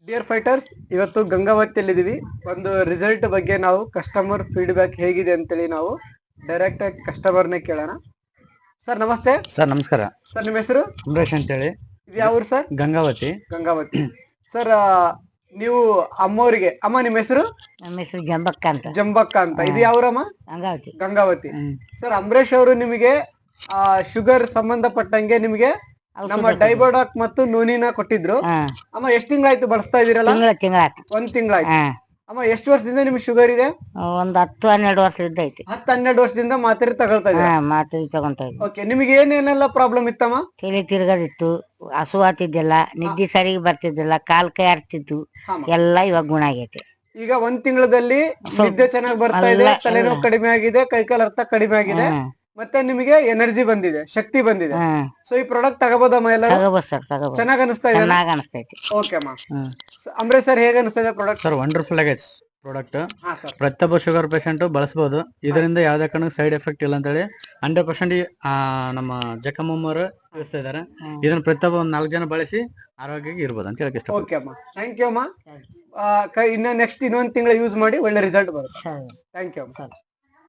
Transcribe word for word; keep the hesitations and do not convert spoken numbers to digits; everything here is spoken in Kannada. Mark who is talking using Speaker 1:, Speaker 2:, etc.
Speaker 1: ಡಿಯರ್ ಫೈಟರ್ಸ್, ಇವತ್ತು ಗಂಗಾವತಿಯಲ್ಲಿದ್ದೀವಿ. ಒಂದು ರಿಸಲ್ಟ್ ಬಗ್ಗೆ ನಾವು ಕಸ್ಟಮರ್ ಫೀಡ್ಬ್ಯಾಕ್ ಹೇಗಿದೆ ಅಂತೇಳಿ ನಾವು ಡೈರೆಕ್ಟ್ ಆಗಿ ಕಸ್ಟಮರ್ನೇ ಕೇಳೋಣ. ಸರ್ ನಮಸ್ತೆ.
Speaker 2: ಸರ್ ನಮಸ್ಕಾರ.
Speaker 1: ಸರ್ ನಿಮ್ಮ ಹೆಸರು?
Speaker 2: ಅಂಬರೀಶ್ ಅಂತೇಳಿ.
Speaker 1: ಇದು ಯಾವ ಊರು ಸರ್?
Speaker 2: ಗಂಗಾವತಿ.
Speaker 1: ಗಂಗಾವತಿ. ಸರ್ ನೀವು ಅಮ್ಮವರಿಗೆ, ಅಮ್ಮ ನಿಮ್ಮ ಹೆಸರು?
Speaker 3: ನಮ್ಮ ಹೆಸರು ಜಂಬಕ್ಕ ಅಂತ.
Speaker 1: ಜಂಬಕ್ಕ ಅಂತ. ಇದು ಯಾವ್ರಮ್ಮ?
Speaker 3: ಗಂಗಾವತಿ.
Speaker 1: ಗಂಗಾವತಿ. ಸರ್ ಅಂಬರೀಶ್ ಅವರು ನಿಮಗೆ ಆ ಶುಗರ್ ಸಂಬಂಧಪಟ್ಟಂಗೆ ನಿಮಗೆ ನಮ್ಮ ಡೈಬೋಡಾಕ್ ಮತ್ತು ನೂನಿನ ಕೊಟ್ಟಿದ್ರು. ಅಮ್ಮ ಎಷ್ಟ್ ತಿಂಗಳಾಯ್ತು ಬಳಸ್ತಾ ಇದೀರಲ್ಲ?
Speaker 3: ತಿಂಗಳ ತಿಂಗಳಾಯ್ತು.
Speaker 1: ಒಂದ್ ತಿಂಗಳಾಯ್ತು. ಅಮ್ಮ ಎಷ್ಟು ವರ್ಷದಿಂದ ನಿಮ್ಗೆ ಶುಗರ್ ಇದೆ?
Speaker 3: ಒಂದ್ ಹತ್ತು ಹನ್ನೆರಡು ವರ್ಷದಿಂದ ಐತಿ.
Speaker 1: ಹತ್ತು ಹನ್ನೆರಡು ವರ್ಷದಿಂದ ಮಾತ್ರೆ ತಗೊಳ್ತಾ ಇದ್ದೀರಾ?
Speaker 3: ಮಾತ್ರೆ ತಗೊಂತ ಇದ್ವಿ.
Speaker 1: ಓಕೆ, ನಿಮಗೆ ಏನೇನೆಲ್ಲ ಪ್ರಾಬ್ಲಮ್ ಇತ್ತಮ್ಮ?
Speaker 3: ತಲೆ ತಿರ್ಗದಿತ್ತು, ಹಸು ಆತಿದ್ದಿಲ್ಲ, ನಿದ್ದೆ ಸರಿಗೆ ಬರ್ತಿದ್ದಿಲ್ಲ, ಕಾಲ್ ಕೈ ಆಡ್ತಿತ್ತು, ಎಲ್ಲ ಇವಾಗ ಗುಣ ಆಗೈತೆ.
Speaker 1: ಈಗ ಒಂದ್ ತಿಂಗಳಲ್ಲಿ ನಿದ್ದೆ ಚೆನ್ನಾಗಿ ಬರ್ತಾ ಇದೆ, ತಲೆನೋವು ಕಡಿಮೆ ಆಗಿದೆ, ಕೈಕಾಲ ಅರ್ಥ ಕಡಿಮೆ ಆಗಿದೆ, ಮತ್ತೆ ನಿಮಗೆ ಎನರ್ಜಿ ಬಂದಿದೆ, ಶಕ್ತಿ ಬಂದಿದೆ. ಸೊ ಈ ಪ್ರಾಡಕ್ಟ್ ತಗೋಬೋದಮ್ಮ? ಎಲ್ಲ ಚೆನ್ನಾಗಿ ಅನಿಸ್ತಾ ಇದೆ?
Speaker 3: ಚೆನ್ನಾಗಿ ಅನಿಸ್ತೈತಿ.
Speaker 1: ಓಕೆ ಅಮ್ಮ. ಅಂಬರೀಶ್ ಸರ್ ಹೇಗೆ ಅನಿಸ್ತಾ ಇದೆ ಪ್ರಾಡಕ್ಟ್?
Speaker 2: ಸರ್ ವಂಡರ್ಫುಲ್ ಆಗೈತೆ ಪ್ರಾಡಕ್ಟ್. ಪ್ರತಿಯೊಬ್ಬ ಶುಗರ್ ಪೇಷಂಟ್ ಬಳಸಬಹುದು. ಇದರಿಂದ ಯಾವ್ದೇ ಕಾರಣಕ್ಕೂ ಸೈಡ್ ಎಫೆಕ್ಟ್ ಇಲ್ಲ ಅಂತ ಹೇಳಿ ಹಂಡ್ರೆಡ್ ಪರ್ಸೆಂಟ್ ನಮ್ಮ ಜಕಮ್ಮವರು ತಿಳಿಸ್ತಾ ಇದಾರೆ. ಇದನ್ನ ಪ್ರತಿಯೊಬ್ಬ ಒಂದ್ ನಾಲ್ಕು ಜನ ಬಳಸಿ ಆರೋಗ್ಯಕ್ಕೆ ಇರ್ಬೋದು ಅಂತ ಹೇಳಕ್ ಇಷ್ಟ.
Speaker 1: ಓಕೆ ಅಮ್ಮ, ಥ್ಯಾಂಕ್ ಯು ಅಮ್ಮ. ಇನ್ನ ನೆಕ್ಸ್ಟ್ ಇನ್ನೊಂದ್ ತಿಂಗಳ ಯೂಸ್ ಮಾಡಿ ಒಳ್ಳೆ ರಿಸಲ್ಟ್ ಬರುತ್ತೆ. ಥ್ಯಾಂಕ್ ಯು ಅಮ್ಮ.